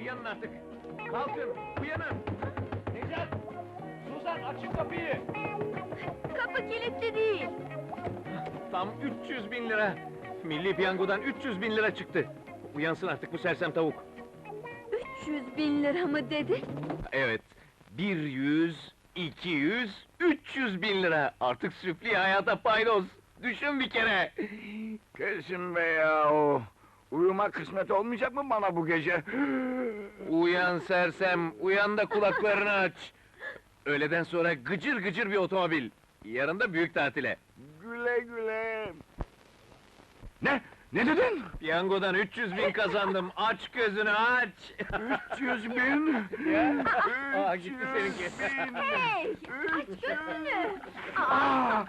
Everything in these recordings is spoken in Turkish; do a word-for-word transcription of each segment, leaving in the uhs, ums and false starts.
uyanın artık! Kalkın, uyanın! Necat! Suzan, açın kapıyı! Kapı kilitli değil. Tam üç yüz bin lira! Milli Piyango'dan üç yüz bin lira çıktı! Uyansın artık bu sersem tavuk! üç yüz bin lira mı dedi? Evet, bir yüz, iki yüz, üç yüz bin lira! Artık süfli hayata paydos! Düşün bir kere! Kesin be yahu! Uyuma kısmet olmayacak mı bana bu gece? Uyan sersem, uyan da kulaklarını aç! Öğleden sonra gıcır gıcır bir otomobil! Yarın da büyük tatile! Güle güle! Ne? Ne dedin? Piyangodan üç yüz bin kazandım, aç gözünü aç! üç yüz bin! Ya, aa, üç gitti yüz seninki. bin! Hey! Aç Üç gözünü! Aa!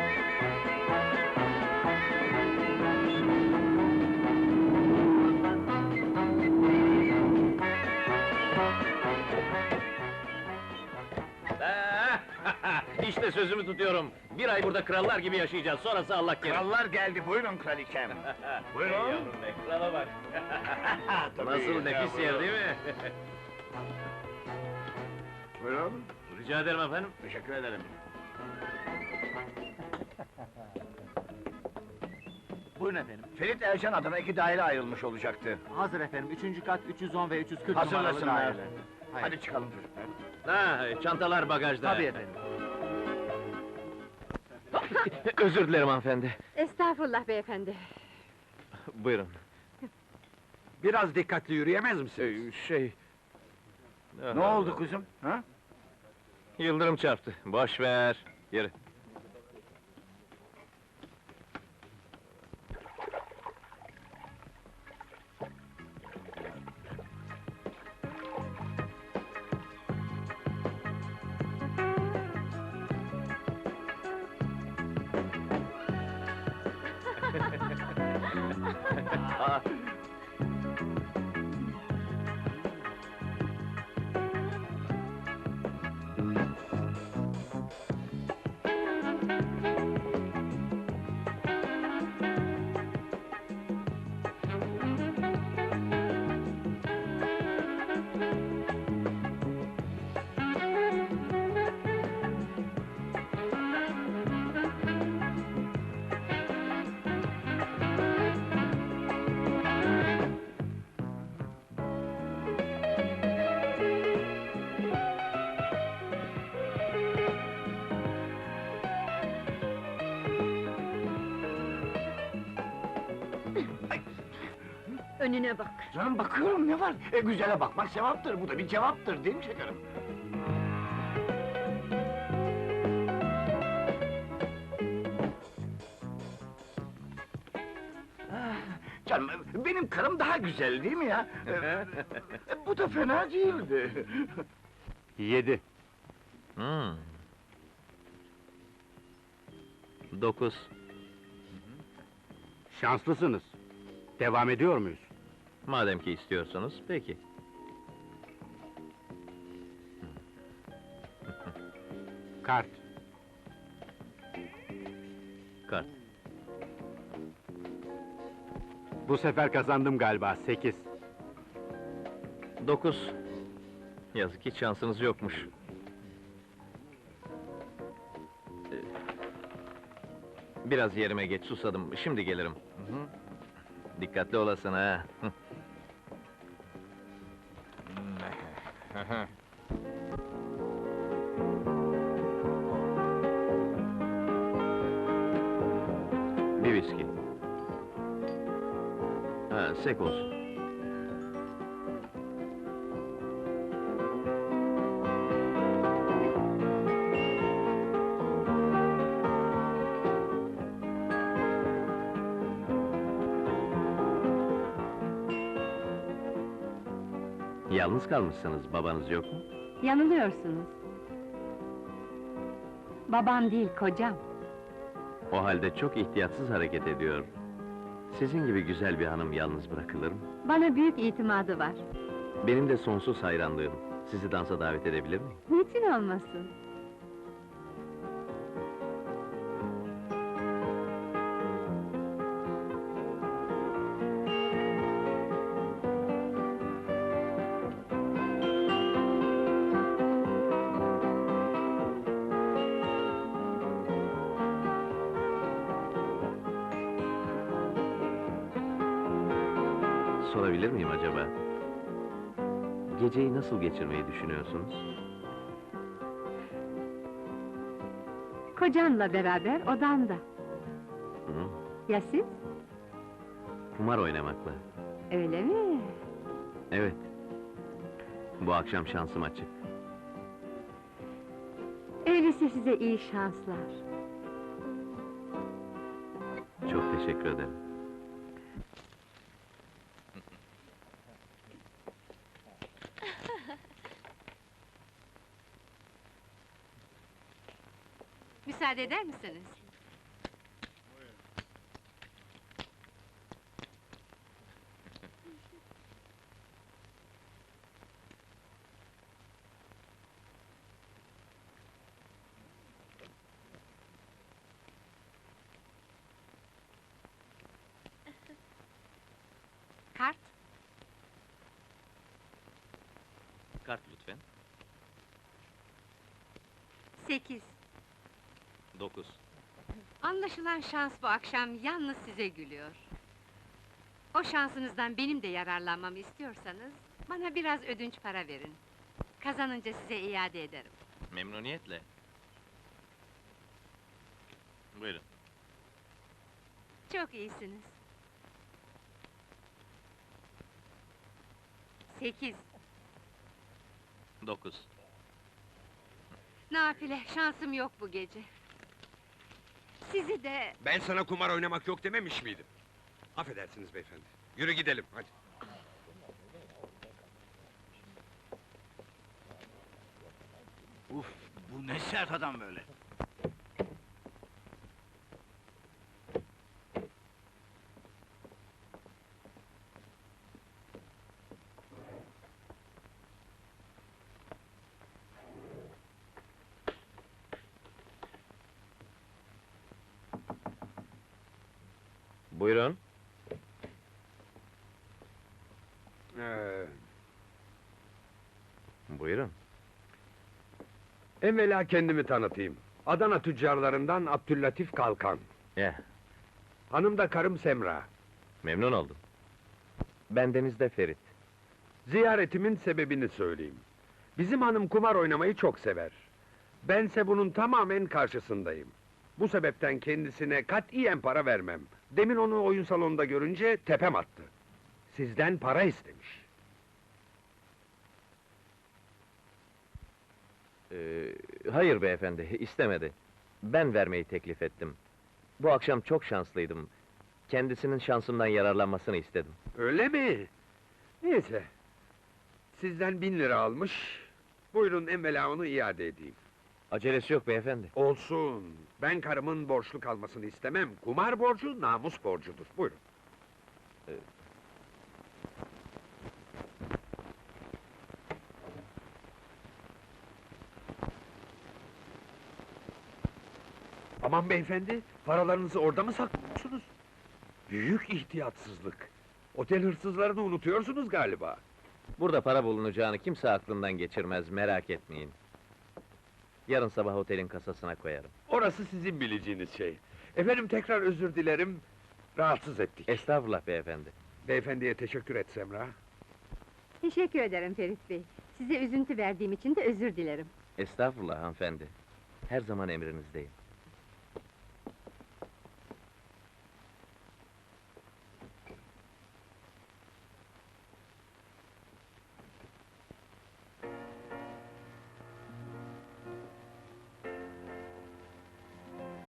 İşte sözümü tutuyorum! Bir ay burada krallar gibi yaşayacağız, sonrası Allah kerim! Krallar geldi, buyurun kraliçem! Buyurun! Ey yavrum be, krala bak! Tabii, Nasıl nefis ya, yer buyurun. değil mi? Buyurun, Rica ederim efendim. teşekkür ederim. Buyurun efendim. Ferit Ercan adına iki daire ayrılmış olacaktı. Hazır efendim. Üçüncü kat üç yüz on ve üç yüz kırk numaralı Hazırlasınlar. daireler. Hayır. Hadi çıkalım çocuklar. Ha, çantalar bagajda. Tabii efendim. Özür dilerim hanımefendi. Estağfurullah beyefendi. Buyurun. Biraz dikkatli yürüyemez Ee, şey... Ne oldu kızım? Ha? Yıldırım çarptı, boş ver. Yürü. Aa, Önüne bak. Canım bakıyorum ne var? E, güzele bakmak sevaptır, bu da bir cevaptır değil mi şekerim? Ah, canım, benim karım daha güzel değil mi ya? E, bu da fena değildi. Yedi. Hmm. Dokuz. Şanslısınız. Devam ediyor muyuz? Madem ki istiyorsunuz, peki. Kart. Kart. Bu sefer kazandım galiba. Sekiz. Dokuz. Yazık ki şansınız yokmuş. Ee, Biraz yerime geç, susadım, şimdi gelirim. Dikkatli olasın ha! Bir viski. Ha, sek olsun. Yalnız kalmışsınız, babanız yok mu? Yanılıyorsunuz. Babam değil, kocam. O halde çok ihtiyatsız hareket ediyor. Sizin gibi güzel bir hanım yalnız bırakılır mı? Bana büyük itimadı var. Benim de sonsuz hayranlığım. Sizi dansa davet edebilir miyim? Niçin olmasın? sorabilir miyim acaba? Geceyi nasıl geçirmeyi düşünüyorsunuz? Kocanla beraber odanda. Hı? Ya siz? Kumar oynamakla. Öyle mi? Evet. Bu akşam şansım açık. Öyleyse size iyi şanslar. Çok teşekkür ederim. Müsaade eder misiniz? Kart? Kart lütfen. Sekiz. Dokuz. Anlaşılan şans bu akşam yalnız size gülüyor. O şansınızdan benim de yararlanmamı istiyorsanız, bana biraz ödünç para verin. Kazanınca size iade ederim. Memnuniyetle. Buyurun. Çok iyisiniz. Sekiz. Dokuz. Nafile, şansım yok bu gece. Sizi de... Ben sana kumar oynamak yok dememiş miydim? Affedersiniz beyefendi. Yürü gidelim, hadi. Uf, bu ne sert adam böyle? Buyurun. Ee, Buyurun. evvela kendimi tanıtayım. Adana tüccarlarından Abdüllatif Kalkan. Ya, Hanım da karım Semra. memnun oldum. Bendeniz de Ferit. Ziyaretimin sebebini söyleyeyim. Bizim hanım kumar oynamayı çok sever. Bense bunun tamamen karşısındayım. Bu sebepten kendisine katiyen para vermem. Demin onu oyun salonunda görünce tepem attı. Sizden para istemiş. Ee, hayır beyefendi, istemedi. Ben vermeyi teklif ettim. Bu akşam çok şanslıydım. Kendisinin şansımdan yararlanmasını istedim. Öyle mi? Neyse. Sizden bin lira almış. Buyurun evvela onu iade edeyim. Acelesi yok beyefendi. Olsun. Ben karımın borçlu kalmasını istemem. Kumar borcu namus borcudur. Buyurun. Aman beyefendi, paralarınızı orada mı saklıyorsunuz? Büyük ihtiyatsızlık. Otel hırsızlarını unutuyorsunuz galiba. Burada para bulunacağını kimse aklından geçirmez, merak etmeyin. Yarın sabah otelin kasasına koyarım. Orası sizin bileceğiniz şey. Efendim tekrar özür dilerim, rahatsız ettik. Estağfurullah beyefendi. Beyefendiye teşekkür et Semra. Teşekkür ederim Ferit Bey. Size üzüntü verdiğim için de özür dilerim. Estağfurullah hanımefendi. Her zaman emrinizdeyim.